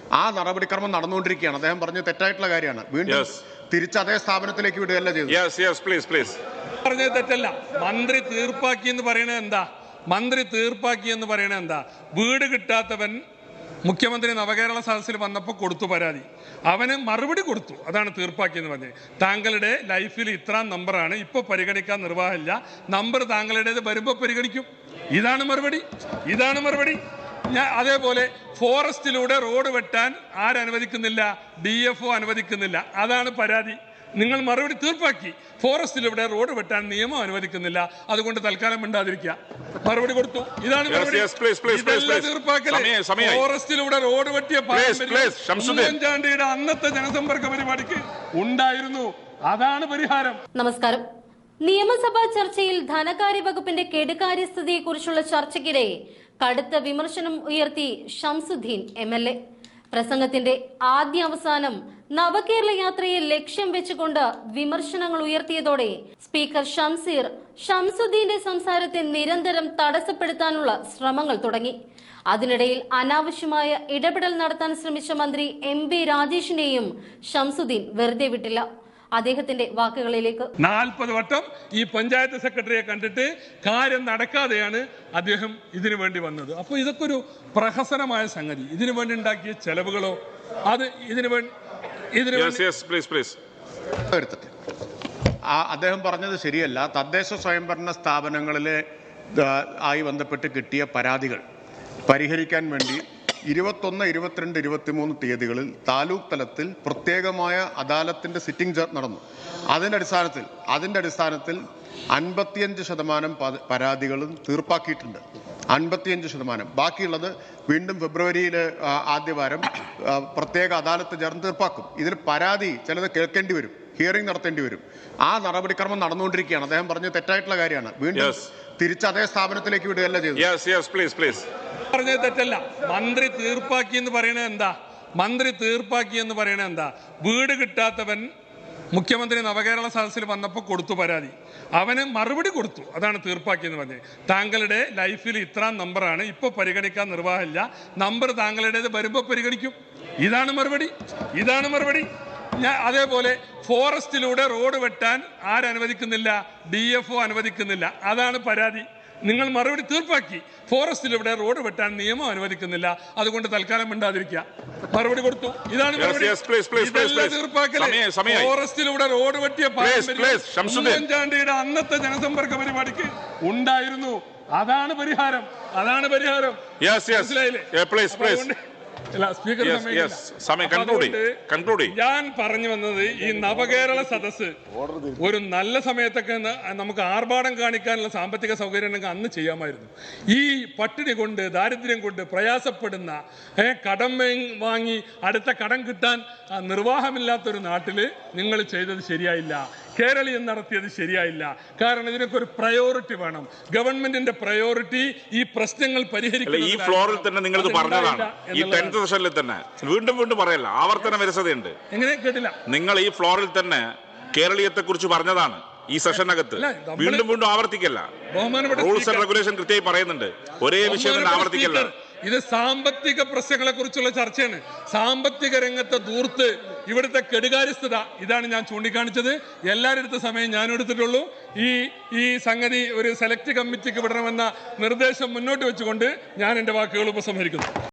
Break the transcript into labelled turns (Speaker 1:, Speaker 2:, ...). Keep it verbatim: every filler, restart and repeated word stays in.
Speaker 1: ആ നടപടിക്രമം നടന്നുകൊണ്ടിരിക്കുകയാണ്. അദ്ദേഹം പറഞ്ഞത് തെറ്റായിട്ടുള്ള കാര്യമാണ്. വീണ്ടും തിരിച്ച് അതേ സ്ഥാപനത്തിലേക്ക് വിടുകയല്ല ചെയ്തത്.
Speaker 2: പറഞ്ഞത് തെറ്റല്ല. മന്ത്രി തീർപ്പാക്കി എന്ന് പറയണത് എന്താ? മന്ത്രി തീർപ്പാക്കി എന്ന് പറയണത് എന്താ? വീട് കിട്ടാത്തവൻ മുഖ്യമന്ത്രി നവകേരള സദസ്സിൽ വന്നപ്പോൾ കൊടുത്തു പരാതി, അവന് മറുപടി കൊടുത്തു, അതാണ് തീർപ്പാക്കി എന്ന് പറഞ്ഞത്. താങ്കളുടെ ലൈഫിൽ ഇത്രാം നമ്പറാണ്, ഇപ്പോൾ പരിഗണിക്കാൻ നിർവാഹമില്ല, നമ്പർ താങ്കളുടേത് വരുമ്പോൾ പരിഗണിക്കും. ഇതാണ് മറുപടി, ഇതാണ് മറുപടി. ഞാൻ അതേപോലെ ഫോറസ്റ്റിലൂടെ റോഡ് വെട്ടാൻ ആരനുവദിക്കുന്നില്ല? ഡി എഫ് ഒ അനുവദിക്കുന്നില്ല, അതാണ് പരാതി. നിങ്ങൾ മറുപടി തീർപ്പാക്കി, ഫോറസ്റ്റിലൂടെ റോഡ് വെട്ടാൻ നിയമം അനുവദിക്കുന്നില്ല, അതുകൊണ്ട് തൽക്കാലം മിണ്ടാതിരിക്കുക. മറുപടി കൊടുത്തു, ഇതാണ് മറുപടി. ഫോറസ്റ്റിലൂടെ റോഡ് വെട്ടിയ ഉമ്മൻചാണ്ടിയുടെ അന്നത്തെ ജനസമ്പർക്ക പരിപാടിക്ക് ഉണ്ടായിരുന്നു, അതാണ് പരിഹാരം.
Speaker 3: നമസ്കാരം. നിയമസഭാ ചർച്ചയിൽ ധനകാര്യ വകുപ്പിന്റെ കെടുകാര്യസ്ഥതയെക്കുറിച്ചുള്ള ചർച്ചയ്ക്കിടെ കടുത്ത വിമർശനം ഉയർത്തി ഷംസുദ്ദീൻ എം എൽ എ. പ്രസംഗത്തിന്റെ ആദ്യ അവസാനം നവകേരള യാത്രയെ ലക്ഷ്യം വെച്ചുകൊണ്ട് വിമർശനങ്ങൾ ഉയർത്തിയതോടെ സ്പീക്കർ ഷംസീർ ഷംസുദ്ദീന്റെ സംസാരത്തെ നിരന്തരം തടസ്സപ്പെടുത്താനുള്ള ശ്രമങ്ങൾ തുടങ്ങി. അതിനിടയിൽ അനാവശ്യമായ ഇടപെടൽ നടത്താൻ ശ്രമിച്ച മന്ത്രി എം പി രാജേഷിനെയും ഷംസുദ്ദീൻ വെറുതെ വിട്ടില്ല. അദ്ദേഹത്തിന്റെ വാക്കുകളിലേക്ക്.
Speaker 2: നാൽപ്പത് വട്ടം ഈ പഞ്ചായത്ത് സെക്രട്ടറിയെ കണ്ടിട്ട് കാര്യം നടക്കാതെയാണ് അദ്ദേഹം ഇതിനു വേണ്ടി വന്നത്. അപ്പോൾ ഇതൊക്കെ ഒരു പ്രഹസനമായ സംഗതി. ഇതിനു വേണ്ടി ഉണ്ടാക്കിയ ചെലവുകളോ അത് ഇതിനു വേണ്ടി
Speaker 1: അദ്ദേഹം പറഞ്ഞത് ശരിയല്ല. തദ്ദേശ സ്വയംഭരണ സ്ഥാപനങ്ങളിലെ ആയി ബന്ധപ്പെട്ട് കിട്ടിയ പരാതികൾ പരിഹരിക്കാൻ വേണ്ടി ഇരുപത്തൊന്ന് ഇരുപത്തിരണ്ട് ഇരുപത്തിമൂന്ന് തീയതികളിൽ താലൂക്ക് തലത്തിൽ പ്രത്യേകമായ അദാലത്തിന്റെ സിറ്റിംഗ് നടന്നു. അതിൻ്റെ അടിസ്ഥാനത്തിൽ അതിൻ്റെ അടിസ്ഥാനത്തിൽ അൻപത്തിയഞ്ച് ശതമാനം പരാതികളും തീർപ്പാക്കിയിട്ടുണ്ട്. അൻപത്തിയഞ്ച് ശതമാനം. ബാക്കിയുള്ളത് വീണ്ടും ഫെബ്രുവരിയിലെ ആദ്യവാരം പ്രത്യേക അദാലത്ത് ചേർന്ന് തീർപ്പാക്കും. ഇതിൽ പരാതി ചിലത് കേൾക്കേണ്ടി വരും, ഹിയറിംഗ് നടത്തേണ്ടി വരും. ആ നടപടിക്രമം നടന്നുകൊണ്ടിരിക്കുകയാണ്. അദ്ദേഹം പറഞ്ഞത് തെറ്റായിട്ടുള്ള കാര്യമാണ്. വീണ്ടും തിരിച്ച് അതേ സ്ഥാപനത്തിലേക്ക് വിടുകയല്ല ചെയ്തത്.
Speaker 2: പറഞ്ഞത് തെറ്റല്ല. മന്ത്രി തീർപ്പാക്കി എന്ന് പറയണത് എന്താ? മന്ത്രി തീർപ്പാക്കി എന്ന് പറയണത് എന്താ? വീട് കിട്ടാത്തവൻ മുഖ്യമന്ത്രി നവകേരള സദസ്സിൽ വന്നപ്പോൾ കൊടുത്തു പരാതി, അവന് മറുപടി കൊടുത്തു, അതാണ് തീർപ്പാക്കി എന്ന് പറഞ്ഞത്. താങ്കളുടെ ലൈഫിൽ ഇത്രാം നമ്പറാണ്, ഇപ്പോൾ പരിഗണിക്കാൻ നിർവാഹമില്ല, നമ്പർ താങ്കളുടേത് വരുമ്പോൾ പരിഗണിക്കും. ഇതാണ് മറുപടി, ഇതാണ് മറുപടി. ഞാൻ അതേപോലെ ഫോറസ്റ്റിലൂടെ റോഡ് വെട്ടാൻ ആരനുവദിക്കുന്നില്ല? ഡി എഫ് ഒ അനുവദിക്കുന്നില്ല, അതാണ് പരാതി. നിങ്ങൾ മറുപടി തീർപ്പാക്കി, ഫോറസ്റ്റിലൂടെ റോഡ് വെട്ടാൻ നിയമം അനുവദിക്കുന്നില്ല, അതുകൊണ്ട് തൽക്കാലം മിണ്ടാതിരിക്കുക. മറുപടി കൊടുത്തു, ഇതാണ് ഫോറസ്റ്റിലൂടെ റോഡ് വെട്ടിയ ഉമ്മൻചാണ്ടിയുടെ അന്നത്തെ ജനസമ്പർക്ക പരിപാടിക്ക് ഉണ്ടായിരുന്നു, അതാണ് പരിഹാരം, അതാണ് പരിഹാരം. ഞാൻ പറഞ്ഞു വന്നത് ഈ നവകേരള സദസ് ഒരു നല്ല സമയത്തൊക്കെ നമുക്ക് ആർഭാടം കാണിക്കാനുള്ള സാമ്പത്തിക സൗകര്യം അന്ന് ചെയ്യാമായിരുന്നു. ഈ പട്ടിണി കൊണ്ട് ദാരിദ്ര്യം കൊണ്ട് പ്രയാസപ്പെടുന്ന കടം വാങ്ങി അടുത്ത കടം കിട്ടാൻ നിർവാഹമില്ലാത്തൊരു നാട്ടില് നിങ്ങൾ ചെയ്തത് ശരിയായില്ല. കേരളീയം നടത്തിയത് ശരിയായില്ല. കാരണം ഇതിനൊക്കെ ഒരു പ്രയോറിറ്റി വേണം. ഗവൺമെന്റിന്റെ പ്രയോറിറ്റി ഈ പ്രശ്നങ്ങൾ പരിഹരിക്കുക.
Speaker 4: ഈ ഫ്ലോറിൽ തന്നെ നിങ്ങൾ പറഞ്ഞതാണ്, ഈ ടെൻത്ത് സെഷനിൽ തന്നെ വീണ്ടും വീണ്ടും പറയല്ല, ആവർത്തന വിരസതയുണ്ട്.
Speaker 2: എങ്ങനെ കേട്ടില്ല?
Speaker 4: നിങ്ങൾ ഈ ഫ്ലോറിൽ തന്നെ കേരളീയത്തെ കുറിച്ച് പറഞ്ഞതാണ് ഈ സെഷനകത്ത്. വീണ്ടും വീണ്ടും ആവർത്തിക്കല്ല. റൂൾസ് ആൻഡ് റെഗുലേഷൻ കൃത്യമായി പറയുന്നുണ്ട്. ഒരേ വിഷയം തന്നെ ആവർത്തിക്കല്ല.
Speaker 2: ഇത് സാമ്പത്തിക പ്രശ്നങ്ങളെ കുറിച്ചുള്ള ചർച്ചയാണ്. സാമ്പത്തിക രംഗത്തെ ദൂർത്ത്, ഇവിടുത്തെ കെടുകാര്യസ്ഥത, ഇതാണ് ഞാൻ ചൂണ്ടിക്കാണിച്ചത്. എല്ലാവരുടെ അടുത്ത സമയം ഞാൻ എടുത്തിട്ടുള്ളൂ. ഈ ഈ സംഗതി ഒരു സെലക്ട് കമ്മിറ്റിക്ക് വിടണമെന്ന നിർദ്ദേശം മുന്നോട്ട് വെച്ചുകൊണ്ട് ഞാൻ എൻ്റെ വാക്കുകൾ ഉപസംഹരിക്കുന്നു.